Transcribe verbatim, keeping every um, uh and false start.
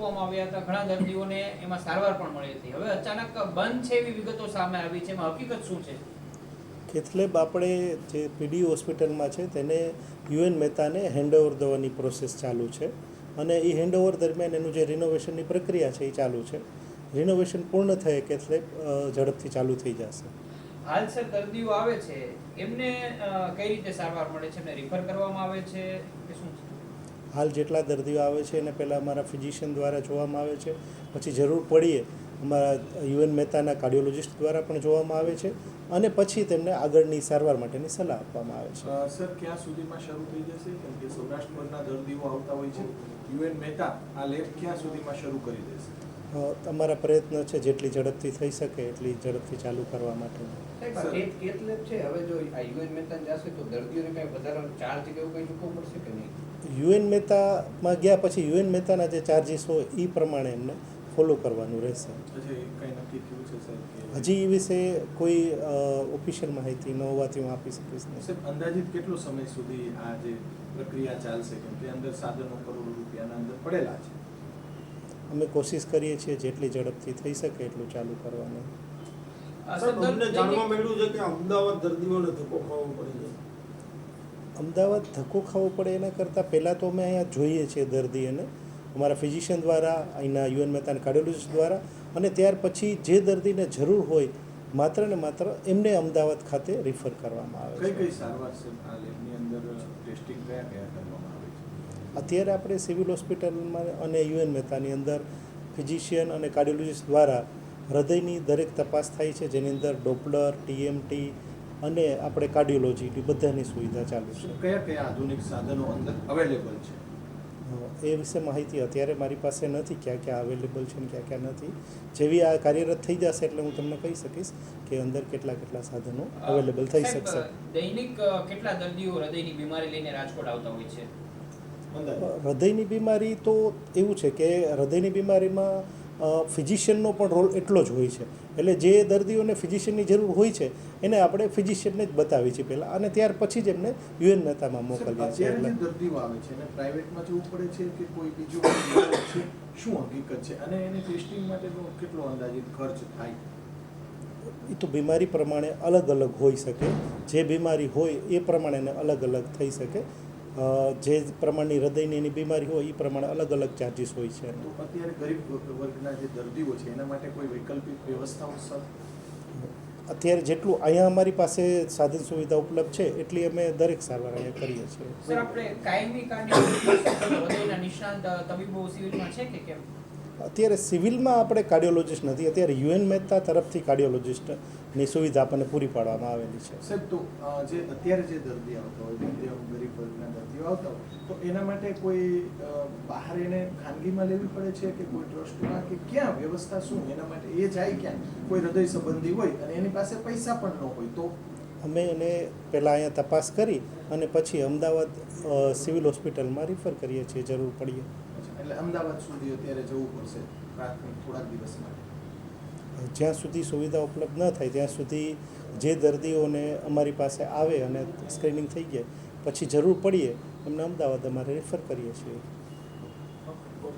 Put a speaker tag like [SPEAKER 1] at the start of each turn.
[SPEAKER 1] મૂકવામાં આવ્યા હતા, ઘણા દર્દીઓને એમાં સારવાર પણ મળી હતી. હવે અચાનક બંધ છે એવી વિગતો સામે આવી છે, એમાં હકીકત શું છે?
[SPEAKER 2] કેથલેબ આપણે જે પીડી હોસ્પિટલમાં છે તેને યુએન મહેતાને હેન્ડઓવર દેવાની પ્રોસેસ ચાલુ છે અને એ હેન્ડઓવર દરમિયાન એનું જે રિનોવેશનની પ્રક્રિયા છે એ ચાલુ છે. રિનોવેશન પૂર્ણ થયે કેથલેબ ઝડપથી ચાલુ થઈ જશે.
[SPEAKER 1] હાલ સર દર્દીઓ આવે છે એમને કઈ રીતે સારવાર મળે છે, એમને રિફર કરવામાં આવે છે કે શું છે?
[SPEAKER 2] હાલ જેટલા દર્દીઓ આવે છે એને પહેલાં અમારા ફિઝિશિયન દ્વારા જોવામાં આવે છે, પછી જરૂર પડીએ અમારા યુએન મહેતાના કાર્ડિયોલોજિસ્ટ દ્વારા પણ જોવામાં આવે છે અને પછી તેમને આગળની સારવાર માટેની સલાહ આપવામાં આવે છે.
[SPEAKER 3] સર ક્યાં સુધીમાં શરૂ થઈ જશે? કેમ કે સૌરાષ્ટ્રના દર્દીઓ આવતા હોય છે, યુએન મહેતા આ લેબ ક્યાં સુધીમાં શરૂ કરી દેશે?
[SPEAKER 2] અમારા પ્રયત્ન છે જેટલી ઝડપથી થઈ શકે એટલી ઝડપથી ચાલુ કરવા માટે.
[SPEAKER 4] કેથલેબ છે હવે જો આ યુએન મહેતા જશે તો દર્દીઓને કઈ વધારાનો ચાર્જ કે એવું કઈ ચૂકવવું પડશે કે નહીં?
[SPEAKER 2] યુએન મહેતામાં ગયા પછી યુએન મહેતાના જે ચાર્જીસ હોય એ પ્રમાણે એમને ફોલો કરવાનું રહેશે. હજી એ વિશે કોઈ ઓફિશિયલ માહિતી ન હોવાથી હું આપી શકીશ નહીં.
[SPEAKER 3] અંદાજિત કેટલો સમય સુધી આ જે પ્રક્રિયા ચાલશે? કેમ કે અંદર સાધનો કરોડો રૂપિયાના અંદર પડેલા છે.
[SPEAKER 2] અમે કોશિશ કરીએ છીએ જેટલી ઝડપથી થઈ શકે એટલું ચાલુ કરવાનું.
[SPEAKER 5] જાણવા મળ્યું છે કે અમદાવાદ દર્દીઓને ધક્કો ખાવો પડે છે.
[SPEAKER 2] અમદાવાદ ધક્કો ખાવો પડે એના કરતાં પહેલાં તો અમે અહીંયા જોઈએ છીએ દર્દીઓને અમારા ફિઝિશિયન દ્વારા, અહીંના યુએન મહેતાના કાર્ડિયોલોજિસ્ટ દ્વારા, અને ત્યાર પછી જે દર્દીને જરૂર હોય માત્ર ને માત્ર એમને અમદાવાદ ખાતે રિફર કરવામાં આવે છે.
[SPEAKER 3] કઈ કઈ સારવાર છે આ લેબની અંદર? ટેસ્ટિંગ કયા કયા કરવામાં આવે છે?
[SPEAKER 2] અત્યારે આપણે સિવિલ હોસ્પિટલમાં અને યુએન મહેતાની અંદર ફિઝિશિયન અને કાર્ડિયોલોજિસ્ટ દ્વારા હૃદયની દરેક તપાસ થાય છે, જેની અંદર ડોપલર, ટીએમટી અને આપણે કાર્ડિયોલોજીની બધાની સુવિધા ચાલુ છે.
[SPEAKER 3] કયા કયા આધુનિક સાધનો અંદર અવેલેબલ છે
[SPEAKER 2] એ વિશે માહિતી અત્યારે મારી પાસે નથી, ક્યાં ક્યાં અવેલેબલ છે ને ક્યાં ક્યાં નથી. જેવી આ કાર્યરત થઈ જશે એટલે હું તમને કહી શકીશ કે અંદર કેટલા કેટલા સાધનો અવેલેબલ થઈ શકશે.
[SPEAKER 1] દૈનિક કેટલા દર્દીઓ હૃદયની બીમારી લઈને રાજકોટ આવતા હોય છે?
[SPEAKER 2] હૃદયની બીમારી તો એવું છે કે હૃદયની બીમારીમાં ફિઝિશિયનનો પણ રોલ એટલો જ હોય છે. એટલે જે દર્દીઓને ફિઝિશિયનની જરૂર હોય છે એને આપણે ફિઝિશિયનને જ બતાવીએ છીએ પહેલાં, અને ત્યાર પછી જ એમને યુએન મહેતામાં મોકલીએ છીએ.
[SPEAKER 3] એટલે દર્દીઓ આવે છે અને પ્રાઇવેટમાં જવું પડે છે કે કોઈ બીજું છે, શું હકીકત છે? અને એને ટેસ્ટિંગ માટેનો કેટલો અંદાજિત ખર્ચ થાય?
[SPEAKER 2] એ તો બીમારી પ્રમાણે અલગ અલગ હોઈ શકે. જે બીમારી હોય એ પ્રમાણે એને અલગ અલગ થઈ શકે. જે પ્રમાણની હૃદયની એની બીમારી હોય એ પ્રમાણે અલગ અલગ ચાર્જીસ હોય છે.
[SPEAKER 3] તો અત્યારે ગરીબ વર્ગના જે દર્દીઓ છે એના માટે કોઈ વૈકલ્પિક વ્યવસ્થાઓ સર?
[SPEAKER 2] અત્યારે જેટલું અહીંયા અમારી પાસે સાધન સુવિધા ઉપલબ્ધ છે એટલી અમે દરેક સારવાર અહીંયા કરીએ છીએ.
[SPEAKER 1] સર આપણે કાયમી કાર્ડિયોલોજિસ્ટ હૃદયના નિષ્ણાંત તબીબો સિવિલમાં છે કે કેમ?
[SPEAKER 2] અત્યારે સિવિલમાં આપણે કાર્ડિયોલોજિસ્ટ નથી, અત્યારે યુએન મહેતા તરફથી કાર્ડિયોલોજિસ્ટની સુવિધા આપણને પૂરી પાડવામાં આવેલી છે.
[SPEAKER 3] સાહેબ, તો જે અત્યારે જે દર્દી આવતા હોય, ગરીબ વર્ગના દર્દીઓ આવતા હોય, તો એના માટે કોઈ બહાર એને ખાનગીમાં લેવી પડે છે કે કોઈ ટ્રસ્ટમાં, કે ક્યાં વ્યવસ્થા શું એના માટે? એ જાય ક્યાં? કોઈ હૃદય સંબંધી હોય અને એની પાસે પૈસા પણ ન હોય તો?
[SPEAKER 2] અમે એને પહેલાં અહીંયા તપાસ કરી અને પછી અમદાવાદ સિવિલ હોસ્પિટલમાં રિફર કરીએ છીએ જરૂર પડીએ.
[SPEAKER 3] એટલે અમદાવાદ સુધી અત્યારે જવું પડશે પ્રાથમિક થોડાક દિવસ માટે?
[SPEAKER 2] જ્યાં સુધી સુવિધા ઉપલબ્ધ ન થાય ત્યાં સુધી જે દર્દીઓને અમારી પાસે આવે અને સ્ક્રીનિંગ થઈ જાય પછી જરૂર પડીએ એમને અમદાવાદ અમારે રિફર કરીએ છીએ.